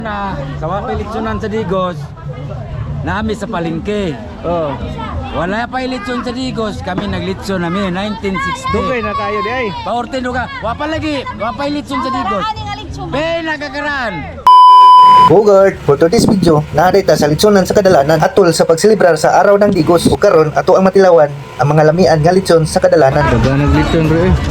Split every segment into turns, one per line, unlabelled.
Na sa wapilitsunan sa Digos, nami sa palengke.
Oh.
Wala pa ilitson sa Digos, kami naglitson namin 1960.
Dugay na kayo di ay.
Paortin ka, wapa lagi, wapa ilitson sa Digos. Be nagkakaran.
Bogart, for today's video, naarita sa litsonan sa kadalanan atol sa pagselebrar sa araw ng Digos. O karon ato ang matilawan ang mga lamian nga litson sa kadalanan.
Daga naglitson bro eh.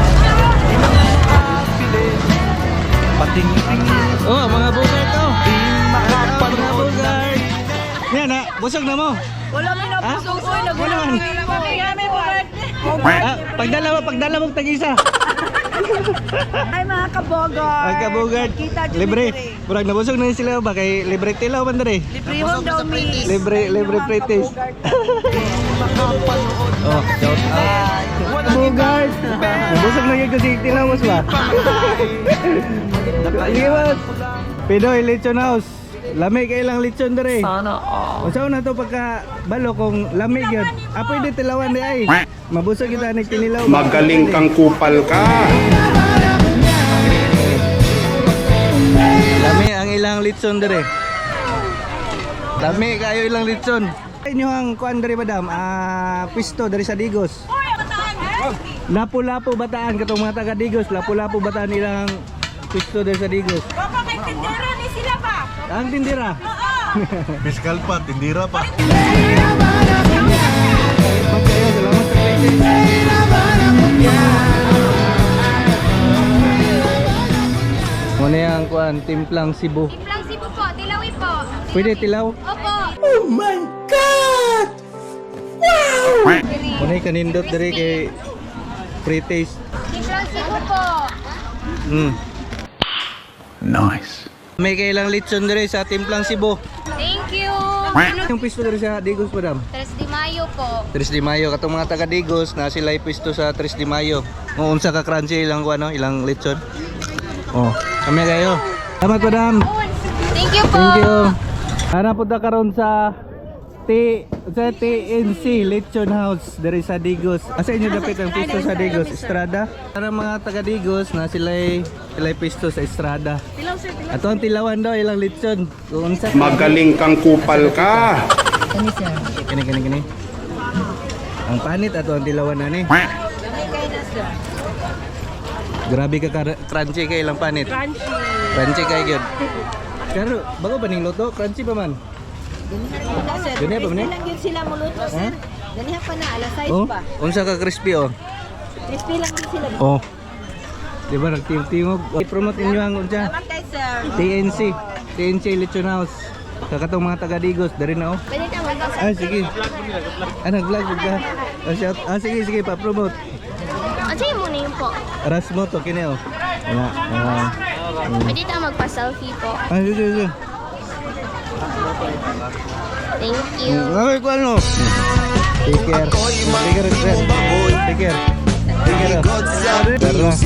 Oh, mga Bogart to. Mga Bogart. Yan na, busog na mo.
Wala may nabusog ko,
Wala man.
nagulong po
Pagdala mong tag-isa.
Ay mga kabogart.
Ang kabugard.
Kita dyan
Libre.
dire.
Murag nabusog na sila ba kay libre tilaw man dere.
Libre home daw mi.
Libre pretest. Oh, shout out. Bogart. Nabusog na gyud si tilaw mas ba? Sige mas. Pidoy Lechon House. Lami kay ilang lechon dere.
Sana
Unsa na to pagka balo kung lami gyud. Apoy di tilawan di ay. Mabusog kita ni tinilaw.
Magaling kang kupal ka.
Lami ang ilang litson dere. Lami kayo ilang litson. Inyo ang kuan dere madam, pisto dere sa Digos. Lapu-lapu bataan katong mga taga Digos, lapu-lapu bataan ilang pisto dere sa Digos.
Papa kay tindera ni sila ba?
Ang tindira.
Fiskal pa, tindira pa.
Magkayo, salamat sa places. Muna yung kuan, timplang Cebu.
Timplang Cebu po, tilawi po.
Pwede tilaw?
Opo.
Muna yung kanindot dere kay pre-taste.
Timplang Cebu po.
Nice.
May kailang litson dere sa timplang Cebu.
Thank you.
Yung pisto dere sa Digos madam?
3 de Mayo po.
3 de Mayo katong mga taga Digos na sila pisto sa 3 de Mayo. Kung unsa ka crunchy ilang kuan ilang lechon. Oh, kami kayo. Salamat madam.
Thank you po.
Thank you. Ana punta karon sa TNC Lechon House dere sa Digos. Asa inyo dapat ang pisto sa Digos? Estrada. Para mga taga Digos na sila'y pisto sa Estrada. Ato ang tilawan daw ilang lechon. Kung unsa ka-
Magaling kang kupal ka.
Kini. Ang panit ato ang tilawan na ni. Grabe ka crunchy kay ilang panit. Crunchy kay gyud. Pero bago ba ning luto? Crunchy pa man. Ganyan pa man eh?
Lang yun sila muluto sir. Ganihan pa na, alas 6
Oh,
pa.
unsa ka crispy oh.
Crispy lang yun sila.
Oh. Di ba nagtingtingog? I-promote inyo ang unsa?
Salamat kay sir.
TNC Lechon House. Kakatong mga taga Digos, dari na oh.
Pwede na mag-asa.
Ah, sige. Nag-vlog ka. Sige, pa-promote.
Ano yung muna yun po?
Rasmo to, kini oh.
Pwede na magpa-selfie po.
Sige.
Thank you.
Okay, ko ano? Take care. Friend. Take care. Tara.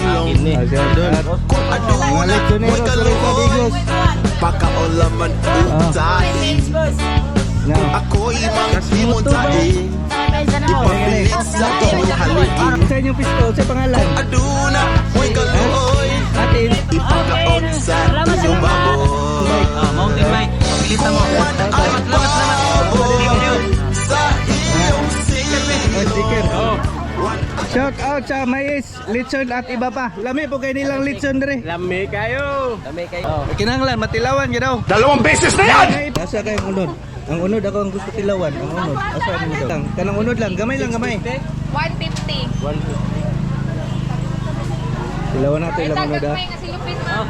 Mga lechonero sa Digos.
Pakaolaman utahin
Now.
Ako'y manghimuntahin Ipapilit sa iyong haligin
Sa inyong pisto, sa pangalan?
Aduna, mo'y kaluoy
Atin.
Ipakaon sa iyong baboy
Mountain bike, pilita mo.
Ay baboy sa iyong sigarilyo
Sticker. Shout out sa Mais, Lechon at iba pa. Lami po kayo nilang lechon dere.
Lami kayo.
Kinanglan, matilawan ka daw.
2 beses na yan!
Asa kayong unod? Ang unod ako ang gusto tilawan. Ang unod. Asa ang unod? Kanang unod lang. Gamay lang, gamay.
150.
Tilawan natin ilang unod ha.
May nasilupin mo.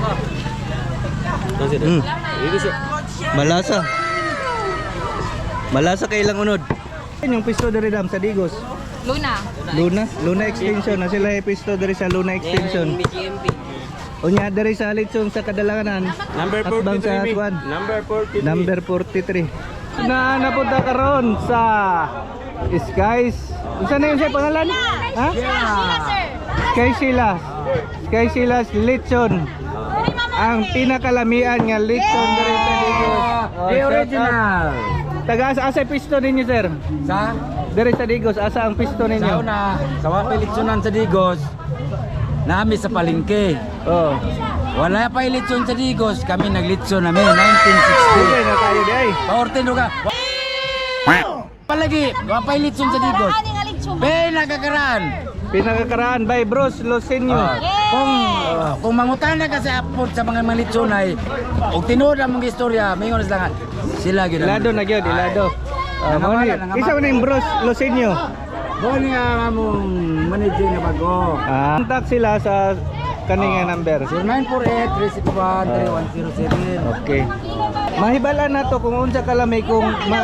Malasa. Malasa kay ilang unod. Yung pisto dere dam sa Digos. Luna Extension. Na sila yung pisto dere sa Luna Extension. Unya dere sa lechon sa kadalanan.
Number
Atbang sa
43.
Atwan.
Number 43.
Number 43. Napunta karon sa Skies. Unsa na yun siya pangalan? Ha?
Sila, sir.
Sky Silas Lechon. Ang pinakalamian nga lechon dere sa Digos.
The original.
Taga asa pisto ninyo sir?
Sa
Dere sa Digos asa ang pisto ninyo?
sauna, sa wapilitsunan sa Digos, nami sa palengke.
Oh.
Wala pa ilitson sa Digos, kami naglitson namin,
Sige
1960.
na tayo di ay.
Paortin ka. Palagi, wala pa ilitson sa Digos.
Ani nga lechon.
Be, nakakaraan.
Pinakakaraan by Bros Losenyo.
Kung mangutana ka sa apod sa mga litson ay og tinuod ang mga istorya, mayon sila nga sila gyud.
Ilado na gyud, ilado.
Nangamala, nangamala.
Isa man yung Bros Losenyo.
Boni nga among manager na bago.
Contact sila sa kaninga number.
0948-361-3107.
Okay. Mahibalan na to kung unsa ka lamay kung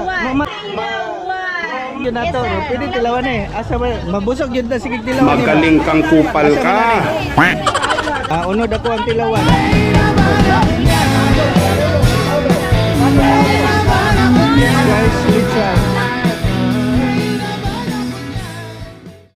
yun na to. Pwede tilawan eh. Asa ba? Mabusog yun na sige tilawan.
Magaling kang kupal ka.
Unod ako ang tilawan. Guys, lechon.